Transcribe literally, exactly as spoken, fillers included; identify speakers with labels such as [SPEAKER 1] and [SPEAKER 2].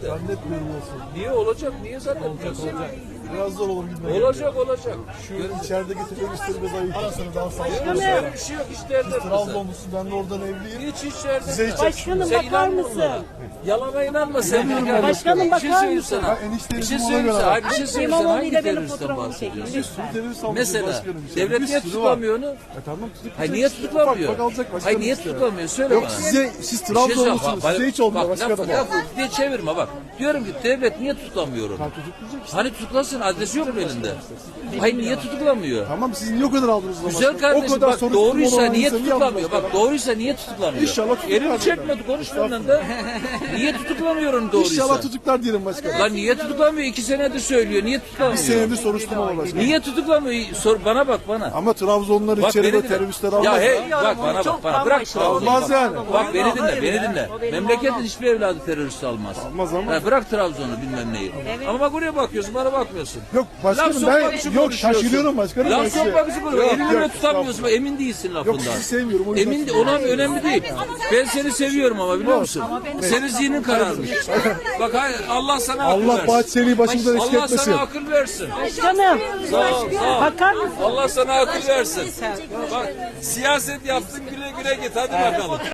[SPEAKER 1] Zannetmiyorum olsun.
[SPEAKER 2] Niye olacak? Niye zannetmiyorsun?
[SPEAKER 1] Biraz zor olur gitmeye.
[SPEAKER 2] Olacak olacak.
[SPEAKER 1] Şu içerideki teröristlerimiz ayıp. Arasını daha sağlıklı.
[SPEAKER 2] Öyle bir şey yok işte derler.
[SPEAKER 1] Trabzonlusun, ben de oradan evliyim.
[SPEAKER 2] Hiç hiç derler.
[SPEAKER 1] Size hiç
[SPEAKER 3] Başkanım
[SPEAKER 2] Sen
[SPEAKER 3] bakar
[SPEAKER 2] inanma
[SPEAKER 3] mısın?
[SPEAKER 2] onlara. Yalana inanma sen.
[SPEAKER 1] İnanıyorum
[SPEAKER 3] Başkanım
[SPEAKER 2] Bir şey
[SPEAKER 3] bakar
[SPEAKER 2] söyleyeyim
[SPEAKER 3] mısın?
[SPEAKER 2] sana.
[SPEAKER 1] Ben enişteyim,
[SPEAKER 2] Bir şey
[SPEAKER 1] ona
[SPEAKER 2] söyleyeyim
[SPEAKER 1] göre
[SPEAKER 2] sana.
[SPEAKER 1] bak.
[SPEAKER 2] Hayır, bir şey söyleyeyim sana.
[SPEAKER 3] İmamoğlu
[SPEAKER 2] Hangi
[SPEAKER 3] ile benim
[SPEAKER 2] teröristten
[SPEAKER 3] fotoğrafımı
[SPEAKER 2] bahsediyorsun?
[SPEAKER 3] çekin.
[SPEAKER 1] Bir sürü terörist almışız
[SPEAKER 2] Mesela
[SPEAKER 1] başkanım. işte.
[SPEAKER 2] devlet
[SPEAKER 1] Bir
[SPEAKER 2] niye
[SPEAKER 1] sürü
[SPEAKER 2] tutuklamıyor onu?
[SPEAKER 1] var. E tamam tutuklayacak
[SPEAKER 2] Hayır niye
[SPEAKER 1] işte.
[SPEAKER 2] tutuklamıyor?
[SPEAKER 1] Ufak ufak alacak başkanım
[SPEAKER 2] Hayır niye
[SPEAKER 1] işte.
[SPEAKER 2] tutuklamıyor? Söyle
[SPEAKER 1] Yok
[SPEAKER 2] bana.
[SPEAKER 1] size, siz
[SPEAKER 2] Bir şey
[SPEAKER 1] Trabzonlusunuz.
[SPEAKER 2] söyle-
[SPEAKER 1] Size hiç olmuyor
[SPEAKER 2] Bak,
[SPEAKER 1] başkanım.
[SPEAKER 2] laf, laf, diye çevirme bak. Diyorum ki devlet niye tutuklamıyor onu?
[SPEAKER 1] Tutuklayacak işte.
[SPEAKER 2] Hani tutuklasın, adresi yok mu elinde? Hayır niye tutuklamıyor?
[SPEAKER 1] Tamam siz niye o kadar aldınız o zaman?
[SPEAKER 2] Güzel
[SPEAKER 1] O
[SPEAKER 2] kardeşim
[SPEAKER 1] kadar
[SPEAKER 2] bak
[SPEAKER 1] soruşturma
[SPEAKER 2] doğruysa
[SPEAKER 1] olan
[SPEAKER 2] niye
[SPEAKER 1] insanı
[SPEAKER 2] tutuklamıyor?
[SPEAKER 1] yapmaz
[SPEAKER 2] Bak doğruysa niye tutuklamıyor?
[SPEAKER 1] İnşallah tutuklar
[SPEAKER 2] Elini
[SPEAKER 1] diyorum.
[SPEAKER 2] çekmedi konuş benden de. Niye tutuklamıyor onu doğruysa?
[SPEAKER 1] İnşallah tutuklar diyelim başkanım.
[SPEAKER 2] Lan niye tutuklamıyor? İki senedir söylüyor. Niye
[SPEAKER 1] Bir
[SPEAKER 2] tutuklamıyor?
[SPEAKER 1] senedir soruşturma var başkanım.
[SPEAKER 2] Niye tutuklamıyor? Sor bana bak bana.
[SPEAKER 1] Ama Trabzonluları
[SPEAKER 2] Bak
[SPEAKER 1] içeride
[SPEAKER 2] beni dinle.
[SPEAKER 1] teröristler
[SPEAKER 2] Ya
[SPEAKER 1] almaz.
[SPEAKER 2] hey bak bana bak bana. Bırak Trabzon'u.
[SPEAKER 1] Almaz yani.
[SPEAKER 2] Bak beni dinle beni dinle. Memleketin hiçbir evladı terörist almaz.
[SPEAKER 1] Almaz ama.
[SPEAKER 2] Ha, bırak Trabzon'u bilmem neyi. Ama bak oraya bakıyorsun bana bakmıyorsun.
[SPEAKER 1] Yok başkanım
[SPEAKER 2] Laf
[SPEAKER 1] ben
[SPEAKER 2] sokmak için
[SPEAKER 1] yok
[SPEAKER 2] konuşuyorsun.
[SPEAKER 1] şaşırıyorum başkanım. ben
[SPEAKER 2] Laf
[SPEAKER 1] size.
[SPEAKER 2] sokmak için konuşuyorsun.
[SPEAKER 1] Yok,
[SPEAKER 2] Elini
[SPEAKER 1] yok,
[SPEAKER 2] tutamıyorsun. Emin değilsin lafından.
[SPEAKER 1] Yok sizi sevmiyorum. O yüzden
[SPEAKER 2] Emin
[SPEAKER 1] sizi-
[SPEAKER 2] ona önemli değil. Ben seni seviyorum ama biliyor musun? Senin zihnin kararmış. Bak hayır, Allah sana akıl
[SPEAKER 1] Allah
[SPEAKER 2] versin.
[SPEAKER 1] Bahçeli'yi başımızdan eksik
[SPEAKER 2] Allah
[SPEAKER 1] etmesin.
[SPEAKER 2] sana akıl versin.
[SPEAKER 3] Başkanım
[SPEAKER 2] Sağ ol, sağ ol.
[SPEAKER 3] bakar mısın?
[SPEAKER 2] Allah sana akıl versin. Bak siyaset yaptın güle güle git hadi bakalım.